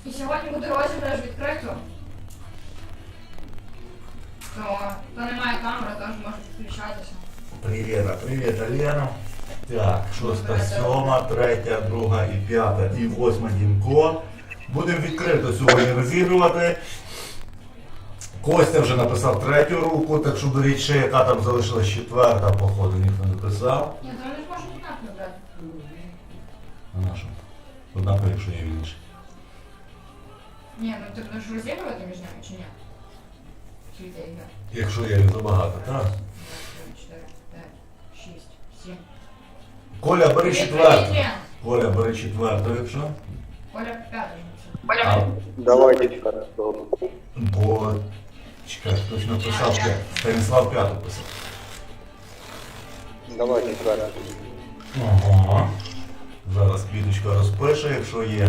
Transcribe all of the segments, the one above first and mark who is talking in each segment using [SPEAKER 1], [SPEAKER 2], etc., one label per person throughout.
[SPEAKER 1] І сьогодні буде розіграш відкрито. То немає камери, тож можуть включатися.
[SPEAKER 2] Привіт, Алена. Так, 6, 7, 3, 2 і 5 і 8 Дімко. Будемо відкрито сьогодні розігрувати. Костя вже написав 3-ю руку, так що беріть ще, яка там залишилась 4-та, походу, ніхто не писав.
[SPEAKER 1] Ні, то вони ж можуть однаково брати.
[SPEAKER 2] А на що? Однаково, якщо є інше.
[SPEAKER 1] Ні, ну ти будеш розігрувати між ними чи ні? Чи йде ігра?
[SPEAKER 2] Якщо є їх забагато, так?
[SPEAKER 1] 2, 3, 4, 5, 6, 7.
[SPEAKER 2] Коля, бери 4-ту. Коля, бери 4-ту, якщо.
[SPEAKER 1] Коля 5.
[SPEAKER 2] А,
[SPEAKER 3] Давайте четвертую.
[SPEAKER 2] бо... Чекай, хтось написав 5. Станіслав 5-ту писав.
[SPEAKER 3] Давай четвертую.
[SPEAKER 2] Ага. Зараз Квіточка розпише, якщо є.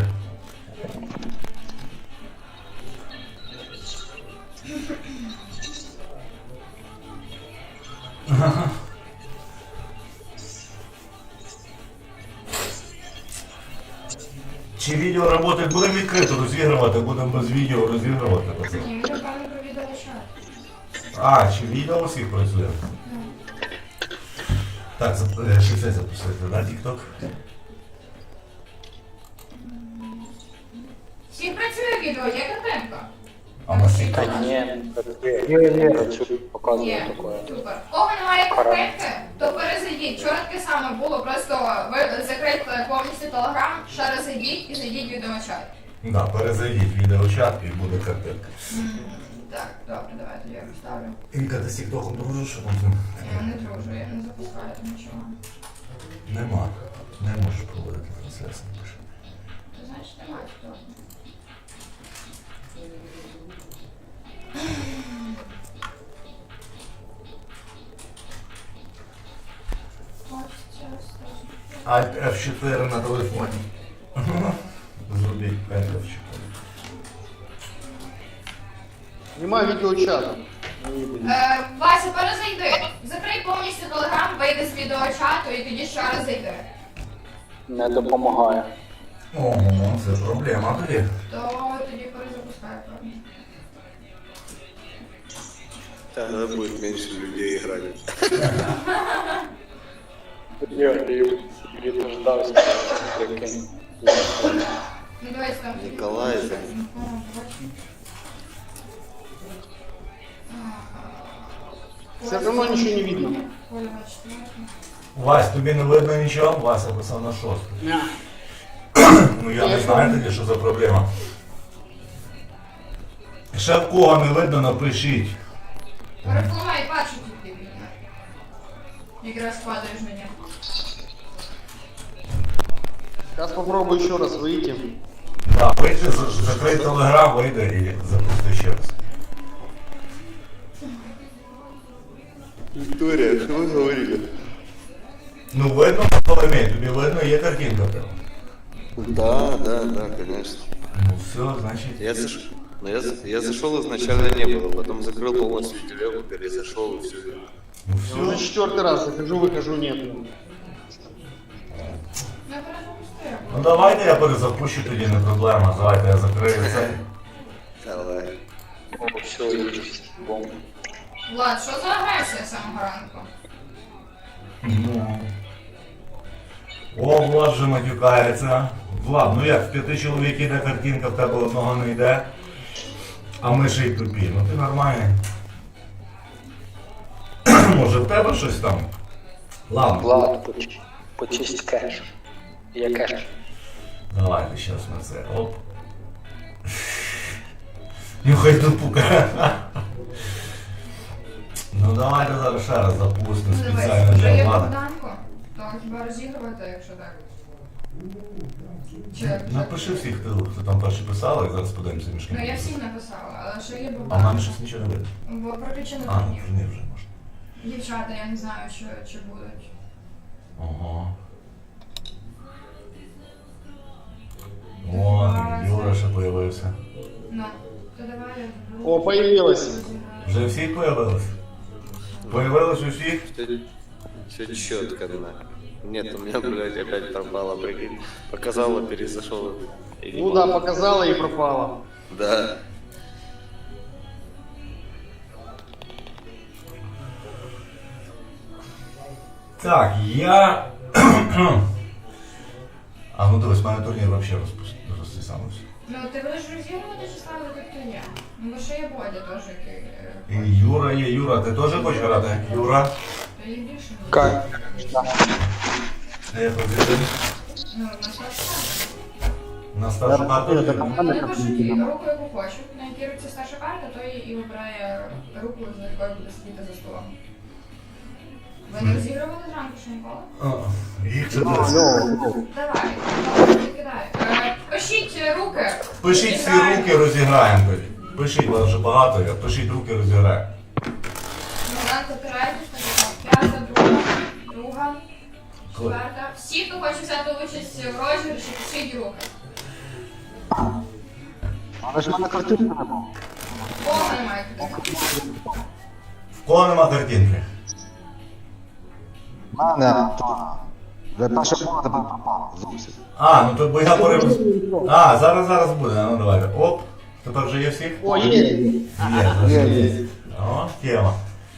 [SPEAKER 2] Чи відео роботи будемо відкрито розігрувати, будемо без відео розігрувати.
[SPEAKER 1] Ні, він напевно про відеочат.
[SPEAKER 2] А, чи відео усіх працює? Так, ще це запустити, да, TikTok?
[SPEAKER 1] Всіх працює відео, є картинка?
[SPEAKER 2] А на всіх?
[SPEAKER 3] Да не, хочу показывать
[SPEAKER 1] Є,
[SPEAKER 3] такое.
[SPEAKER 1] супер. В кого немає картинки, то перезайдіть. Вчора таке саме було, просто ви закрийте повністю телеграм, ще раз зайдіть і зайдіть в відеочат.
[SPEAKER 2] Да, перезайдіть відеочат і буде картинка.
[SPEAKER 1] Так, добре, давай тоді я поставлю.
[SPEAKER 2] Інка, ти з TikTok дружиш?
[SPEAKER 1] Я не дружу, я не запускаю там нічого.
[SPEAKER 2] Нема. Не можеш проводити трансляцію.
[SPEAKER 1] Ти знаєш, немає хто.
[SPEAKER 2] Alt F4 на телефоні. Зробіть Alt F4.
[SPEAKER 4] Немає відеочату.
[SPEAKER 1] Вася, перезайди. Закрий повністю телеграм, вийди з відеочату і тоді ще раз зайди.
[SPEAKER 3] Не допомагає.
[SPEAKER 2] Ого, це проблема тоді.
[SPEAKER 1] То тоді перезапускай, певно.
[SPEAKER 5] Тогда будет меньше людей играть.
[SPEAKER 3] Я віднуждався. Прикинь.
[SPEAKER 1] Ну давайте там.
[SPEAKER 5] Николай, да.
[SPEAKER 4] Все равно ничего не видно.
[SPEAKER 1] Коля, четвертий.
[SPEAKER 2] Вась, тобі не видно нічого? Вася писав на 6. Ну я не знаю тоді, що за проблема. Ще в кого не видно, напишіть.
[SPEAKER 1] Перепливай, бачу тут ти вільно. Якраз падаєш на нього.
[SPEAKER 4] Сейчас попробую еще раз выйти.
[SPEAKER 2] Так, вийди, закрий телеграм, вийди і запусти ще раз.
[SPEAKER 5] Виктория, что вы говорили?
[SPEAKER 2] Ну видно, Соломей, тобі видно, є картинка в тебе.
[SPEAKER 5] Да, конечно.
[SPEAKER 2] Ну все, значить.
[SPEAKER 5] Я зашел изначально не было, потом закрыл полностью телегу, перезашел и все.
[SPEAKER 2] Ну
[SPEAKER 4] Уже
[SPEAKER 2] все.
[SPEAKER 4] четвертый раз захожу, выхожу, нет.
[SPEAKER 1] Я перезапустила.
[SPEAKER 2] Ну давайте я перезапущу тоді, не проблема. Давайте я закрию це.
[SPEAKER 5] Давай.
[SPEAKER 3] О, все, есть. Бомба.
[SPEAKER 1] Влад, що за агресія з самого ранку?
[SPEAKER 2] Ну. О, Влад вже матюкається. Влад, ну як, в 5 чоловік іде картинка, в тебе одного не йде. А ми ще й тупі. Ну ти нормальний. Може в тебе щось там? Ладно.
[SPEAKER 3] Влад, почисть кеш. Я кеш.
[SPEAKER 2] Давайте зараз на це. Оп. Нюхай тупука. Ну давайте зараз ще раз запустимо
[SPEAKER 1] Ну давай,
[SPEAKER 2] спеціально
[SPEAKER 1] вже є
[SPEAKER 2] для Влада.
[SPEAKER 1] Богданко, то хіба розігрувати, якщо так? Чи...
[SPEAKER 2] Напиши всіх, хто там перші писали, і зараз подивимося між ким.
[SPEAKER 1] Ну я всім написала, але ще є
[SPEAKER 2] А в мене
[SPEAKER 1] Богдан.
[SPEAKER 2] щось нічого не видно.
[SPEAKER 1] Бо прокричено
[SPEAKER 2] А, ну
[SPEAKER 1] турнір.
[SPEAKER 2] турнір вже можна.
[SPEAKER 1] Дівчата, я не знаю, чи будуть.
[SPEAKER 2] Ого. О, Юра ще появився.
[SPEAKER 1] Ну, то давай я буду.
[SPEAKER 4] О, появилась.
[SPEAKER 2] Вже всі появились? Появились усіх?
[SPEAKER 5] Все четко, да. Нет, у меня, блядь, опять пропало, прикинь. Показала, перезашел. Или
[SPEAKER 4] Ну да, показала и пропала.
[SPEAKER 5] Да.
[SPEAKER 2] Так, я. А ну дивись, в мене турнір взагалі розсисався.
[SPEAKER 1] Ну, ти будеш розігрувати чи ставити хто є? Ну, бо ще є Бодя теж, який...
[SPEAKER 2] І Юра є. Юра, ти теж хочеш грати? Юра?
[SPEAKER 1] То є більше.
[SPEAKER 3] Как?
[SPEAKER 2] Я позицію.
[SPEAKER 1] Ну, на старшу.
[SPEAKER 2] На старшу карту.
[SPEAKER 1] Вони пишуть руку, яку хочуть. На якій руці старша карта, той і вибирає руку, за якою буде сидіти за столом. Ви не розігрували зранку ще ніколи?
[SPEAKER 2] Їх це десь.
[SPEAKER 1] Давай, кидай. Пишіть руки.
[SPEAKER 2] Пишіть всі
[SPEAKER 1] Розіграємо.
[SPEAKER 2] руки, розіграємо тоді. Пишіть, вас вже багато є. Пишіть руки, розіграємо.
[SPEAKER 1] Момент опирайтесь, п'ята, друга, четверта. Всі, хто хоче взяти участь в розіграші, пишіть руки.
[SPEAKER 6] Але ж в мене картинки не було.
[SPEAKER 1] Кого немає куди?
[SPEAKER 2] В кого нема картинки?
[SPEAKER 6] В мене Антона. Вже перше було, тепер пропало зовсім.
[SPEAKER 2] А, ну тут бо я перебув. А, зараз буде. Ну давайте. Оп. Тепер вже є всіх?
[SPEAKER 4] О, есть.
[SPEAKER 2] Є, вже є. О, тема.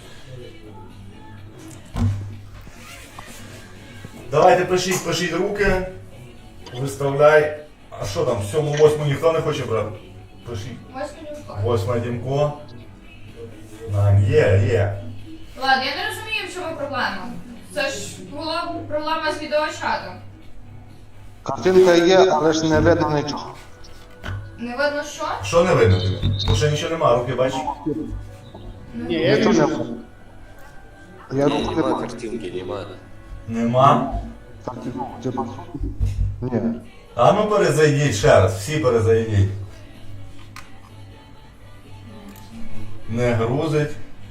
[SPEAKER 2] Давайте пишіть руки. Виставляй. А що там, 7-8 ніхто не хоче брати? Пишіть.
[SPEAKER 1] Ось мені
[SPEAKER 2] 8 Дімко. Є.
[SPEAKER 1] Ладно, я не розумію, в чому проблема. Це ж була проблема з відеочатом.
[SPEAKER 6] Картинка є, але ж не видно нічого.
[SPEAKER 1] Не видно що?
[SPEAKER 2] Що не видно тобі? Бо ще нічого нема, руки бачиш?
[SPEAKER 4] Не, я
[SPEAKER 6] Нічого
[SPEAKER 4] вижу.
[SPEAKER 6] не видно. Я руку не
[SPEAKER 5] Нема
[SPEAKER 6] бачу.
[SPEAKER 5] картинки, нема.
[SPEAKER 2] Нема.
[SPEAKER 6] Картинку, типа. Ні.
[SPEAKER 2] А ну перезайдіть ще раз, всі перезайдіть. Не грузить.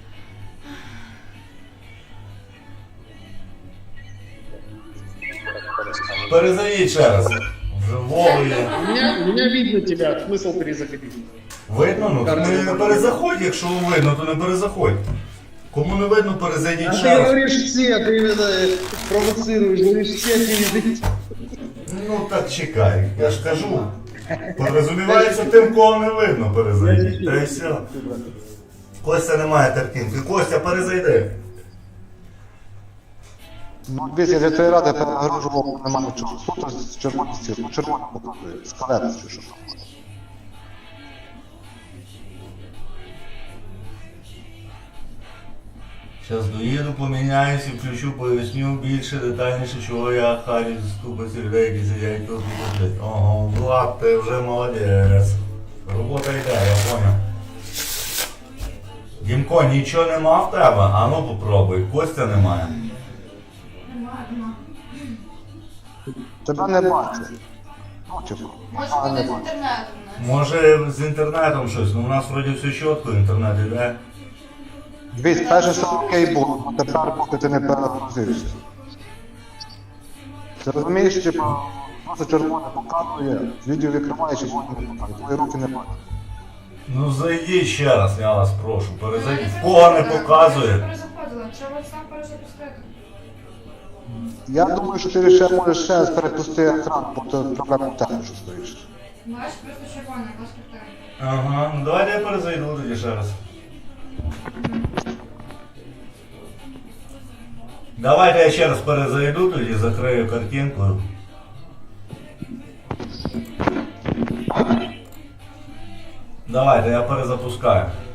[SPEAKER 2] Перезайдіть ще раз. Вже Вову є.
[SPEAKER 4] Меня видно тебя. Смысл перезаходить.
[SPEAKER 2] Видно? Ну то не перезаходь, якщо видно, то не перезаходь. Кому не видно,
[SPEAKER 4] А
[SPEAKER 2] перезайдіть
[SPEAKER 4] ты
[SPEAKER 2] ще раз.
[SPEAKER 4] говоришь все, ты именно провоцируешь, говоришь все перезайти.
[SPEAKER 2] Ну так чекай, я ж кажу. Порозумівається тим, кого не видно, перезайдіть. Та й все. Костя не має картинки. Костя, перезайди.
[SPEAKER 6] Ну, дивіться, для тої ради перегружував, немає нічого. Суто з червоності, ну червоно показує, скалець чи що там.
[SPEAKER 2] Зараз доїду, поміняюся, включу, поясню більше, детальніше, чого я харю з купи людей, які сидять тут і роблять. Ого, Влад, ти вже молодець. Робота йде, я поняв. Дімко, нічого нема в тебе? А ну попробуй, Костя немає.
[SPEAKER 1] Нема.
[SPEAKER 6] Тебе не бачу. Ну, типу,
[SPEAKER 1] Може
[SPEAKER 6] а,
[SPEAKER 1] буде
[SPEAKER 6] не
[SPEAKER 1] з
[SPEAKER 6] бачу.
[SPEAKER 1] інтернетом. не?
[SPEAKER 2] Може з інтернетом щось, ну у нас вроді все чітко, інтернет іде.
[SPEAKER 6] Дивись, перше, що окей було, а тепер, поки ти не перегрузився. Ти розумієш, типу, просто червоне показує, відео відкриваєш і воно не показує, твої руки не бачать.
[SPEAKER 2] Ну зайдіть ще раз, я вас прошу, перезайдіть. В кого не показує?
[SPEAKER 1] Перезаходила, треба сам перезапустити.
[SPEAKER 6] Я думаю, що ти ще можеш ще раз перепусти екран, бо це проблема в тебе, що стоїш.
[SPEAKER 1] Бачиш, просто червона, якась картинка.
[SPEAKER 2] Ага, ну давайте я перезайду тоді ще раз. Давайте я ще раз перезайду, тоді закрию картинку. Давайте, я перезапускаю.